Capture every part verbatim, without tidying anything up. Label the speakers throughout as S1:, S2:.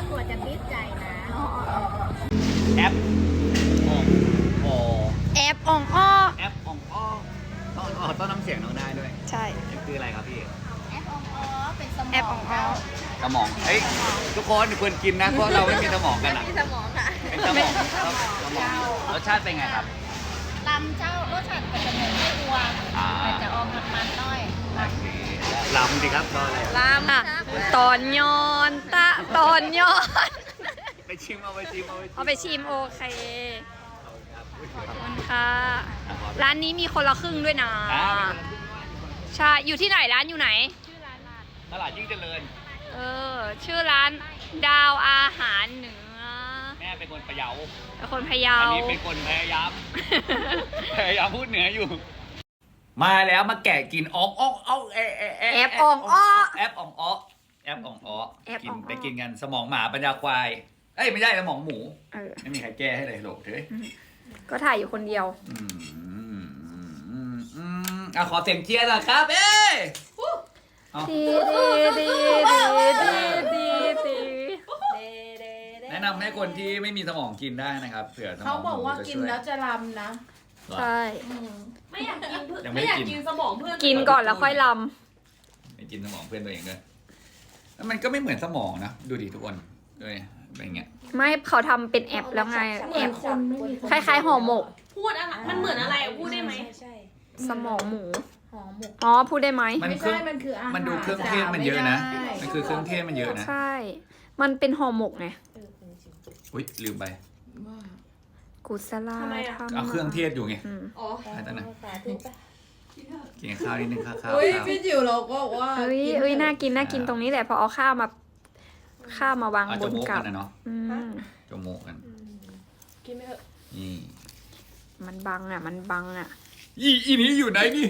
S1: กลัวจะติดใจนะ
S2: แอปอ่องออ
S3: แอปอ่องอ้อ
S2: แอปอ่องอ้อต้องอ๋อต้องน้ำเสียงน้องได้ด้วย
S3: ใช่
S2: นี่คืออะไรครับพี่
S1: แอปองอ๋อเป็นสมอง
S3: แอปอ่องอ้อ
S2: สมองเฮ้ยทุกคนควรกินนะเพราะเราไม่มีสมองกัน
S1: ไม่
S2: อ่ะ
S1: มีสมองค่ะ
S2: เป็นสมองสมองรสชาติเป็นไงครับ
S1: ลำเจ้ารสชาติก็จะเหมือนไม่อัว
S2: อ่า
S1: แต่จะออกมันๆหน่อย
S2: โอเคลำสิครับรออะไร
S3: ลามอ่ะตอนย้อนตะตอนย้อน
S2: ไปชิมเอาไปชิมเอาไปชิม
S3: เอาไปชิมโอเค
S2: ครับ
S3: ขอบคุณค่ะ ร้านนี้มีคนละครึ่งด้วยนะ
S2: อ่า
S3: ใช่ อยู่ที่ไหนร้านอยู่ไหน
S2: ตลาดยิ่งเจริญ
S3: เออ ชื่อร้านดาวอาหารเหนือ
S2: แม่เป็นคนพะเยา
S3: เป็นคนพะเยา
S2: อันนี้เป็นคนพยายาม พยายามพูดเหนืออยู่ มาแล้วมาแกะกินอ่องอ่องอ่องแอะแอะแอะ
S3: แอปอ่องอ้อ
S2: แอปอ่องอ้อแอปอ่องอ้อ
S3: แอป
S2: กิ
S3: อ่
S2: น
S3: องอ้อ
S2: ไปกินกันสมองหมาปัญญาควายเอ้ยไม่ใช่สมองหมู
S3: เออ
S2: ไม่มีใครแก้ให้เลยโหลกเถอะ
S3: ก็ถ่ายอยู่คนเดียว
S2: อืมอืมอืมอืมอ่ะขอเสียงเชียร์หน่อยครับเอ้ยเอา
S3: ดีดีดีดีดีดีดี
S2: แนะนำให้คนที่ไม่มีสมองกินได้นะครับเผื่อสมอง
S4: เขาบอกว่า
S2: หมูจะ
S4: กิน
S2: ช่ย
S4: แล้วจะลำนะ
S2: เหรอ
S3: ใช่
S4: ไม่อยากกินเพื่อน
S2: ยังไม่
S4: ไม่
S2: ได้
S4: อยาก
S2: กิน
S4: กินสมองเพื่อน
S3: กินก่อนแล้วค่อยล
S2: ไม่กินสมองเพื่อนตัวเองด้วยแล้วมันก็ไม่เหมือนสมองนะดูดิทุกคนด้วยเป็นอย่างเงี้ย
S3: ำไม่เขาทำเป็นแอปแล้วไง
S4: เห
S3: แอ
S4: มือน
S3: ป
S4: คนไม่มี
S3: คล้ายๆห่อหมก
S4: พูดอะไรมันเหมือนอะไรอะพูดได้ไหม
S3: สมองหมู
S1: หอมหมก
S3: อ๋อ พูดได้ไหม
S2: มัน
S4: ไม่
S2: เครื่
S4: ใช่
S2: อง
S4: มันคืออาหาร
S2: มันดูเครื่องเทศมันเยอะนะ มันคือเครื่องเทศมันเยอะนะ
S3: ใช่ มันเป็นห่อหมกไง
S2: อุ้ยลืมไป
S4: ว่า
S3: กุศลาธรรม
S2: เอาเครื่องเทศอยู่ไง
S3: อืม
S4: อ๋อ
S2: อันนั้นนะกินข้าวนิดนึงข้าวข้าว
S4: เฮ้ย
S2: ข้าว
S4: พี่จิ๋วเราก็บอกว่า
S3: เอ้ยเอ้ยน่ากินน่ากินตรงนี้แหละพอเอาข้าวมา ข้าวมาวาง
S2: เอา
S3: บ
S2: จ
S3: น
S2: มูก
S3: กั
S2: กับ นนะเนาะ
S3: อืม
S2: จมูกกัน
S4: กินไม่เถอะ
S2: นี่
S3: มันบังอ่ะ มันบังอ่ะ
S2: อีอีนี้อยู่ไหนนี่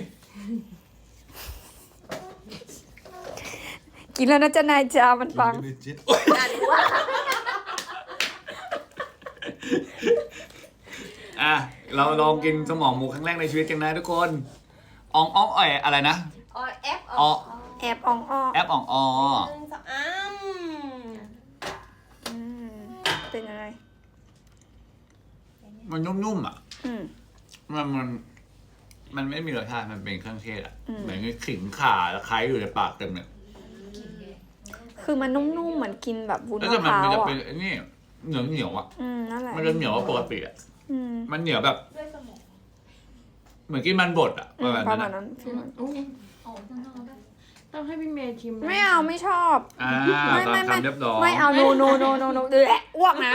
S3: กินแล้วนะจ๊ะนายจ้ามันบัง
S2: โอ๊ยอ่ะเราลองกินสมองหมูครั้งแรกในชีวิตกันนะทุกคนอ่องอ่องเอ่อยอะไรนะ
S1: อ๋อแอป
S2: อ๋อ
S3: แอบอ่องอ้อ
S2: แอปอ่องอ๋อ
S4: หนึ่งสองอ้าม
S3: อืมเป็นยังไง
S2: มันนุ่มๆอ่ะ
S3: อืม
S2: มันมันมันไม่มีรสชาติมันเป็นเครื่องเทศอ่ะ
S3: อืม
S2: เหมือนขิงข่าตะไคร้อยู่ในปากเต็มเลย
S3: คือมันนุ่มๆเหมือนกินแบบวุ้น
S2: แล้ว
S3: มะ
S2: แต่
S3: พ
S2: มัน
S3: ร้า
S2: มัน
S3: ว
S2: จะ
S3: อ่ะ
S2: เป็นไอ้นี่เหนียวเหนียวๆอ่ะ
S3: อืมนั่นแหละ
S2: มันจะเหนียวกว่าปกติอ่ะ
S3: อืม
S2: มันเหนียวแบบ
S4: ด้วยสมอง
S2: เหมือนกินมันบดอ่ะ
S3: อื
S2: ประ
S3: ม
S2: มาณ
S3: ประ
S2: นั้น
S3: มาณ
S2: อะ
S3: นั้นฟีลนั้น
S4: ต้องให้พี่เมย์ชิมนะ
S3: ไม่เอาไม่ชอบ
S2: อ่า
S3: ไม่
S2: ตาม
S3: ไม่ไม่
S2: คำเรียบร้อย
S3: ไม่เอาโนโนโนโนโนเดือดอ้วกนะ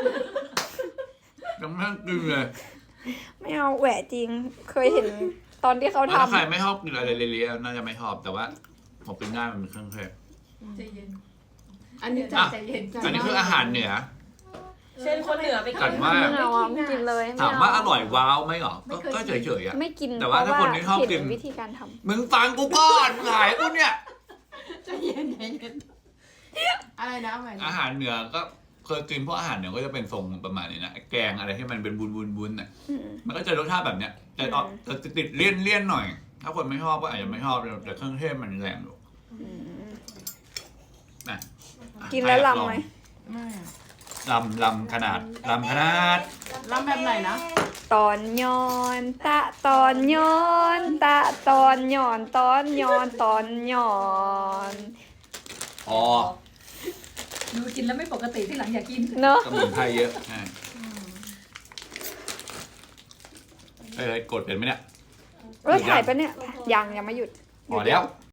S2: ยังไม่กินเลย
S3: ไม่เอาแหวะจริง เคยเห็นตอนที่เขา
S2: แล้วถ้าใคร
S3: ทำ
S2: ไม่ชอบกินอะไรเละๆน่าจะไม่ชอบแต่ว่าผมกินได้มันเป็นเครื่องเทศ
S4: ใจเย็น อันนี้ใจ
S2: อ่ะ
S4: ใจเย็นใจ
S2: อันนี้คืออาหารเหนือ
S4: เช่นคนเหนือไป
S2: กั
S4: กิ
S2: ด
S4: น
S2: มาก
S3: ไม่เอาอ่ะไม่กินเลยไเ
S2: ถามว่าอร่อยว้าวไหมหรอก็ก็เฉยๆอ่ะ
S3: ไม่กิน
S2: แต่ว่าถ้าคนที่ชอบกิน
S3: เห็วิธีการท
S2: มึงฟังกูก่อนหลายกูเนี่ย
S4: ใจเย็นใจเย็นอะไรนะเอาใหม่นะ
S2: อาหารเหนือก็เคยกินพวกอาหารเหนือก็จะเป็นทรงประมาณนี้นะแกงอะไรที่มันเป็นบุนบุนบุนๆๆน่ะ
S3: ำอืม
S2: มันก็จะรสชาติแบบเนี้ยแต่ออกจะติดเลี่ยนเลี่ยนๆหน่อย ถ้าคนไม่ชอบก็อาจจะไม่ชอบแต่เครื่องเทศมันแรงอยู่
S3: อืม
S2: นะ
S3: กินแล้วลำไหม
S4: ไม่
S2: ลำลำขนาดลำขนาด
S4: ลำแบบไหนนะ
S3: ตอนย้อนตะตอนย้อนตะตอนย้อนตอนย้อนตอนย้อน
S2: อ๋อ
S5: ดูกินแล้วไม่ปกติที่หลังอยากกิน
S3: เนอะ
S2: สมุนไพรเยอะใช่เอ้ยกดเป็นไหมเนี่ย
S3: เออถ่ายปะเนี่ยยังยังไม่หยุด
S2: พอแล้ว